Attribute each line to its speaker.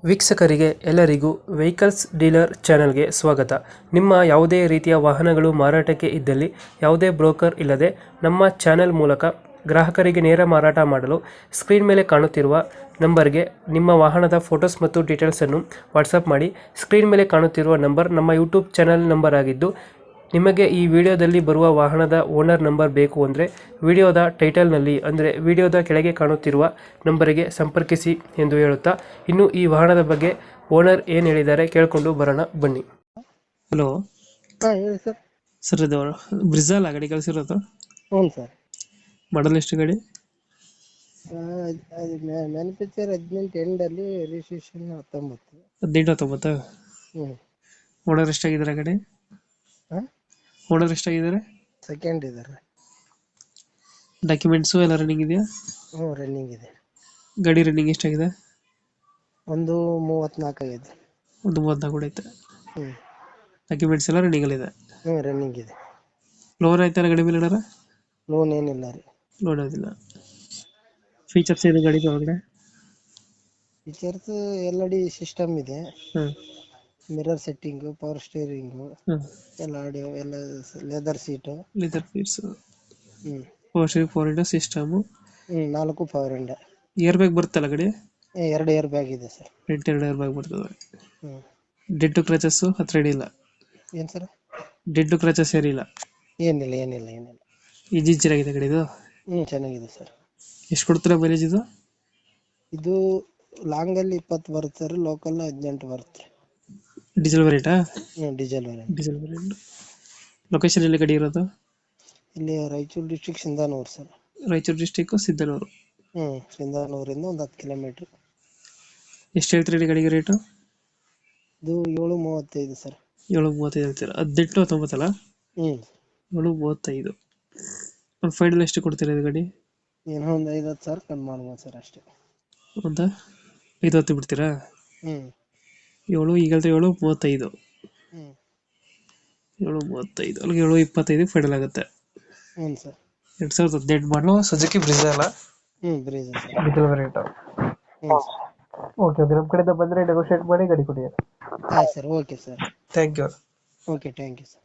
Speaker 1: ವೀಕ್ಷಕರಿಗೆ ಎಲ್ಲರಿಗೂ vehicles dealer ಚಾನೆಲ್ಗೆ ಸ್ವಾಗತ. ನಿಮ್ಮ ಯಾವುದೇ ರೀತಿಯ ವಾಹನಗಳು ಮಾರಾಟಕ್ಕೆ ಇದ್ದಲ್ಲಿ ಯಾವುದೇ ಬ್ರೋಕರ್ ಇಲ್ಲದೆ ನಮ್ಮ ಚಾನೆಲ್ ಮೂಲಕ ಗ್ರಾಹಕರಿಗೆ ನೇರ ಮಾರಾಟ ಮಾಡಲು ಸ್ಕ್ರೀನ್ ಮೇಲೆ ಕಾಣುತ್ತಿರುವ ನಂಬರ್ಗೆ ನಿಮ್ಮ ವಾಹನದ ಫೋಟೋಸ್ ಮತ್ತು ಡೀಟೇಲ್ಸನ್ನು ವಾಟ್ಸಪ್ ಮಾಡಿ. ಸ್ಕ್ರೀನ್ ಮೇಲೆ ಕಾಣುತ್ತಿರುವ ನಂಬರ್ ನಮ್ಮ ಯೂಟ್ಯೂಬ್ ಚಾನೆಲ್ ನಂಬರ್ ಆಗಿದ್ದು, ನಿಮಗೆ ಈ ವಿಡಿಯೋದಲ್ಲಿ ಬರುವ ವಾಹನದ ಓನರ್ ನಂಬರ್ ಬೇಕು ಅಂದರೆ ವಿಡಿಯೋದ ಟೈಟಲ್ನಲ್ಲಿ ಅಂದರೆ ವಿಡಿಯೋದ ಕೆಳಗೆ ಕಾಣುತ್ತಿರುವ ನಂಬರಿಗೆ ಸಂಪರ್ಕಿಸಿ ಎಂದು ಹೇಳುತ್ತಾ, ಇನ್ನು ಈ ವಾಹನದ ಬಗ್ಗೆ ಓನರ್ ಏನು ಹೇಳಿದ್ದಾರೆ ಕೇಳಿಕೊಂಡು ಬರೋಣ ಬನ್ನಿ. ಹಲೋ
Speaker 2: ಹೇಳಿ ಸರ್.
Speaker 1: ಸರ್, ಇದು ಬ್ರಿಜಾಲ ಗಾಡಿ ಕಳಿಸಿರೋದು?
Speaker 2: ಹ್ಞೂ ಸರ್.
Speaker 1: ಮಾಡಲ್ ಎಷ್ಟು ಗಾಡಿ?
Speaker 2: ಅದು ಮ್ಯಾನುಫ್ಯಾಕ್ಚರ್ 18 ಎಂಡಲ್ಲಿ, ರಿಜಿಸ್ಟ್ರೇಷನ್ 19.
Speaker 1: 18-19.
Speaker 2: ಹ್ಞೂ.
Speaker 1: ಓನರ್ ಎಷ್ಟಾಗಿದ್ದಾರೆ ಗಾಡಿ?
Speaker 2: ಹಾಂ,
Speaker 1: ಓನರ್ ಎಷ್ಟಾಗಿದ್ದಾರೆ?
Speaker 2: ಸೆಕೆಂಡ್ ಇದ್ದಾರೆ.
Speaker 1: ಡಾಕ್ಯುಮೆಂಟ್ಸು ಎಲ್ಲ ರನ್ನಿಂಗ್ ಇದೆಯಾ?
Speaker 2: ಹ್ಞೂ, ರನ್ನಿಂಗ್ ಇದೆ.
Speaker 1: ಗಾಡಿ ರನ್ನಿಂಗ್ ಎಷ್ಟಾಗಿದೆ?
Speaker 2: ಒಂದು 34 ಆಗಿದೆ.
Speaker 1: ಒಂದು 34 ಕೂಡ ಐತೆ.
Speaker 2: ಹ್ಞೂ.
Speaker 1: ಡಾಕ್ಯುಮೆಂಟ್ಸ್ ಎಲ್ಲ ರನ್ನಿಂಗಲ್ಲಿದೆ?
Speaker 2: ಹ್ಞೂ, ರನ್ನಿಂಗ್ ಇದೆ.
Speaker 1: ಲೋನ್ ಆಯ್ತಲ್ಲ ಗಾಡಿ ಮೇಲೆ ಏನಾರ?
Speaker 2: ಲೋನ್ ಏನಿಲ್ಲ ರೀ.
Speaker 1: ಲೋನ್ ಆಗೋದಿಲ್ಲ. ಫೀಚರ್ಸ್ ಏನು ಗಾಡಿ ಒಳಗಡೆ?
Speaker 2: ಫೀಚರ್ಸ್ LED ಸಿಸ್ಟಮ್ ಇದೆ,
Speaker 1: ಹಾಂ
Speaker 2: ಮಿರರ್ ಸೆಟ್ಟಿಂಗು, ಪವರ್ ಸ್ಟೀರಿಂಗು,
Speaker 1: ಹಾಂ
Speaker 2: ಎಲ್ಲ ಆಡಿಯೋ, ಎಲ್ಲ ಲೆದರ್ ಸೀಟು.
Speaker 1: ಲೆದರ್ ಸೀಟ್ಸ್,
Speaker 2: ಹ್ಞೂ.
Speaker 1: ಫೋರ್ ಇಂಡೋ system.
Speaker 2: 4 power window.
Speaker 1: Airbag ಬರುತ್ತಲ್ಲ ಗಾಡಿ?
Speaker 2: 2 ಏರ್ ಬ್ಯಾಗ್ ಇದೆ ಸರ್.
Speaker 1: ಫ್ರಂಟ್ 2 ಏರ್ ಬ್ಯಾಗ್ ಬರ್ತದೆ.
Speaker 2: ಹ್ಞೂ.
Speaker 1: ಡೆಡ್ ಕ್ರಚಸ್ಸು ಹತ್ರ ಹಿಡಿಯಿಲ್ಲ?
Speaker 2: ಏನು ಸರ್?
Speaker 1: ಡೆಡ್ ಕ್ರಚಸ್ ಏನಿಲ್ಲ?
Speaker 2: ಏನಿಲ್ಲ.
Speaker 1: ಇಂಜಿನ್ ಚೆನ್ನಾಗಿದೆ ಗಾಡಿದು?
Speaker 2: ಹ್ಞೂ, ಚೆನ್ನಾಗಿದೆ ಸರ್.
Speaker 1: ಎಷ್ಟು ಕೊಡ್ತೀರಾ ಮೈಲೇಜ್ ಇದು?
Speaker 2: ಇದು ಲಾಂಗಲ್ಲಿ 20 ಬರುತ್ತೆ ಸರ್, ಲೋಕಲ್ 18 ಬರುತ್ತೆ.
Speaker 1: ಡೀಸೆಲ್ ವೇರಿಯಂಟಾ?
Speaker 2: ಹ್ಞೂ, diesel variant.
Speaker 1: Diesel variant. Location ಎಲ್ಲಿ ಗಾಡಿ ಇರೋದು?
Speaker 2: ಇಲ್ಲಿ Raichur district Sindhanur sir.
Speaker 1: Raichur district Sindhanur.
Speaker 2: ಹ್ಞೂ, ಸಿಂಧಾನೂರಿಂದ ಒಂದು 10 ಕಿಲೋಮೀಟ್ರ್.
Speaker 1: ಎಷ್ಟು ಹೇಳ್ತೀರಿ ಗಾಡಿಗೆ ರೇಟು?
Speaker 2: ಇದು 7.35 ಸರ್.
Speaker 1: 7.35 ಹೇಳ್ತೀರಾ? 18-19 ಅಲ್ಲ?
Speaker 2: ಹ್ಞೂ.
Speaker 1: 7.35. ಒಂದು ಫೈನಲ್ ಎಷ್ಟು ಕೊಡ್ತೀರಾ ಇದು ಗಾಡಿ?
Speaker 2: ಏನೋ ಒಂದು 50 ಸಾವಿರ ಕಮ್ಮಿ ಮಾಡ್ಬೋದು ಸರ್, ಅಷ್ಟೇ.
Speaker 1: ಒಂದು 5-10 ಬಿಡ್ತೀರಾ?
Speaker 2: ಹ್ಞೂ.
Speaker 1: 7 ಈಗ 7.35.
Speaker 2: ಹ್ಞೂ.
Speaker 1: 7.35 ಅಲ್ಲಿಗೆ 7.25 ಫೈನಲ್ ಆಗುತ್ತೆ.
Speaker 2: ಹ್ಞೂ ಸರ್.
Speaker 1: 2018 ಮಾಡಲು ಸುಜುಕಿ ಬ್ರಿಜಾ ಅಲ್ಲ?
Speaker 2: ಹ್ಞೂ, ಬ್ರೀಜ್ ಸರ್.
Speaker 1: Diesel variant.
Speaker 2: ಹ್ಞೂ ಸರ್.
Speaker 1: ಓಕೆ, ನಮ್ಮ ಕಡೆಯಿಂದ ಬಂದರೆ ನೆಗೋಷಿಯೇಟ್ ಮಾಡಿ ಗಾಡಿ ಕೊಡಿ.
Speaker 2: ಆಯ್ತು sir, okay sir.
Speaker 1: Thank you.
Speaker 2: Okay, thank you sir.